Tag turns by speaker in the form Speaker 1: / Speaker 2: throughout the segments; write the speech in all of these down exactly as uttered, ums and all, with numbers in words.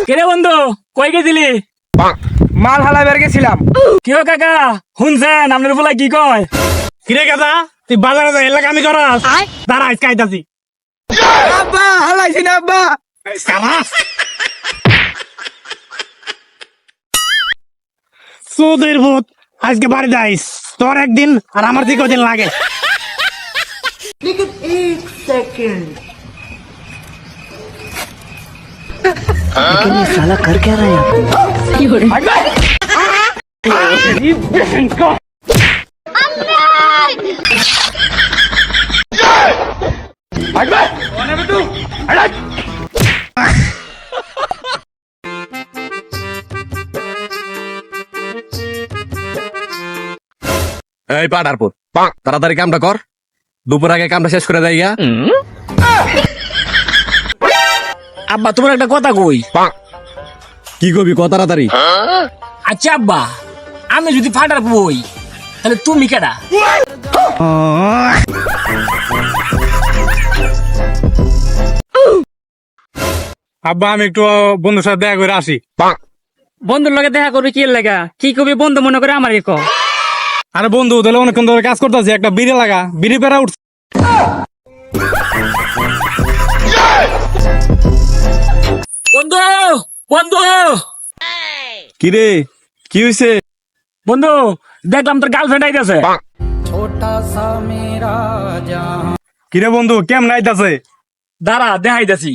Speaker 1: কেরে বন্ধু কই গেছিলি?
Speaker 2: মাল হালা বের গেছিলাম।
Speaker 1: কি হো কাকা শুনছেন আপনার বলা কি কয়?
Speaker 3: কিরে গাদা তুই বাজারে যা এলাকা আমি করাস দাঁড়া আজকে আইতাছি।
Speaker 2: আব্বা হালাইছি না আব্বা।
Speaker 3: চোদের ভূত আজকে বাড়ি যাইস তোর একদিন আর আমার দিকে দিন লাগে।
Speaker 4: এই পাটার পুত তাড়াতাড়ি কামটা কর, দুপুর আগে কামটা শেষ করে দেয় গা।
Speaker 1: আব্বা তোমার একটা কথা কই।
Speaker 4: কি কবি ক তাড়াতাড়ি।
Speaker 1: আচ্ছা আব্বা আমি যদি ফাটার বই তাহলে তুমি কেডা?
Speaker 3: আব্বা আমি একটু বন্ধুর সাথে দেখা করে আসি।
Speaker 5: বন্ধুর লগে দেখা করবি কি লাগা? কি কবি বন্ধু মনে করে আমার ক।
Speaker 3: আরে বন্ধু তাহলে অনেকক্ষণ ধরে কাজ করতেছি, একটা বিড়ি লাগা, বিড়ি পেরা উঠছে।
Speaker 1: বন্ধু বন্ধু
Speaker 4: কিরে কি হইছে?
Speaker 1: বন্ধু দেখলাম তোর গার্লফ্রেন্ড আইতাছে।
Speaker 3: কিরে বন্ধু কেমন আইতাছে?
Speaker 1: দাঁড়া দেখাইতাছি।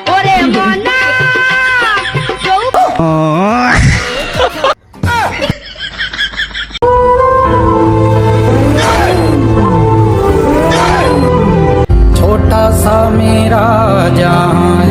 Speaker 6: छोटा सा मेरा जहां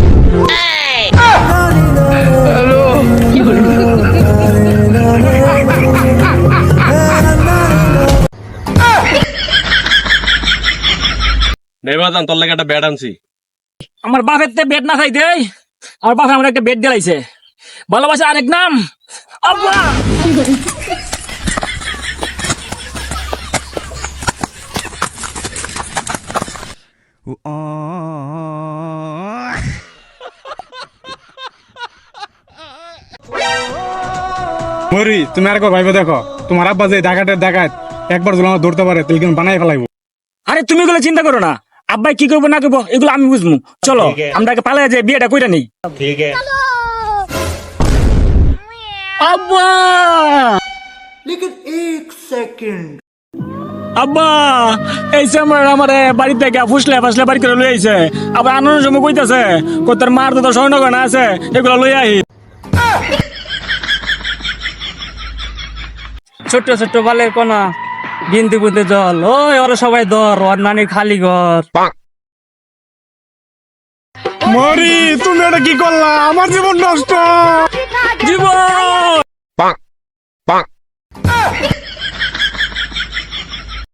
Speaker 4: নেবাজান তোর লাগে একটা ব্যাট আনছি।
Speaker 1: আমার বাপের তে বেড না খাই দেই, আমার বাপে আমার একটা বেড দিলাইছে। ভালোবাসা আরেক নাম আব্বা।
Speaker 3: মরি তুমি আর কো ভাইবে দেখো তোমার আব্বা যে ডাকাতের ডাকাত একবার যদি আমার ধরতে পারে তাহলে কিন্তু বানাই ফেলাইবো।
Speaker 1: আরে তুমি এগুলো চিন্তা করো না, আব্বাই কি করবো না করবো এগুলো আমি বুঝবো। চলো আমরা পালাই যে বিয়েটা কইরা নেই। আব্বা আব্বা এই সময় আমার বাড়ি থেকে ফুসলে ফাসলে বাড়ি করে লই আইছে। আবার আনন্দ সময় কইতাছে কই তোর মার তো স্বর্ণ গয়না আছে এগুলো লই আই।
Speaker 5: ছোট্ট ছোট্ট বালের কোনা বিনতে বুনতে জল ওই ওরা সবাই দর ওর নানির খালি ঘর।
Speaker 3: মরি তুমি এটা কি করলা? আমার জীবন নষ্ট।